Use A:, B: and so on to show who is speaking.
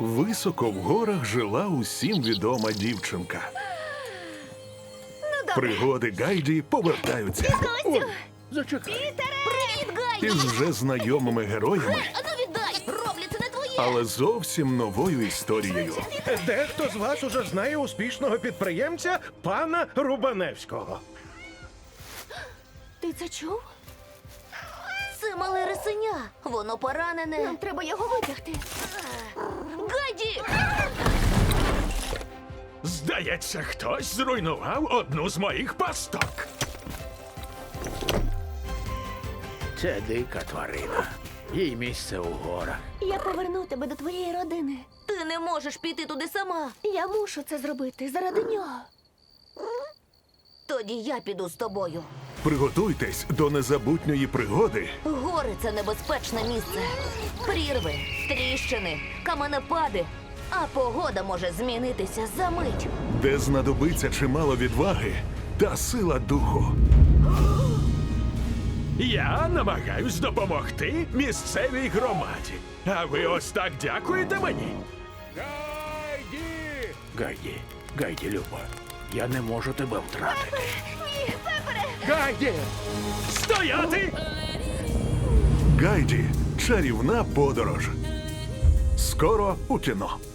A: Високо в горах жила усім відома дівчинка. Пригоди Гайді повертаються
B: Костю!
C: Зачекай.
B: Привіт, Гайді!
A: із вже знайомими героями,
B: Ану віддай! Роблю, це не твоє!
A: але зовсім новою історією.
C: Дехто з вас уже знає успішного підприємця пана Рубаневського.
B: Ти це чув? Це мале рисеня. Воно поранене. Нам треба його витягти. Гайді!
D: Здається, хтось зруйнував одну з моїх пасток.
E: Це дика тварина. Їй місце у горах.
B: Я поверну тебе до твоєї родини. Ти не можеш піти туди сама. Я мушу це зробити заради нього. Тоді я піду з тобою.
A: Приготуйтесь до незабутньої пригоди,
B: Гори – це небезпечне місце. Прірви, тріщини, каменепади. А погода може змінитися за мить.
A: де знадобиться чимало відваги та сила духу.
D: Я намагаюсь допомогти місцевій громаді. А ви ось так дякуєте мені?
E: Гайді, Люба, я не можу тебе втратити.
D: Гайді! Стояти!
A: Гайді. Чарівна подорож. Скоро у кіно.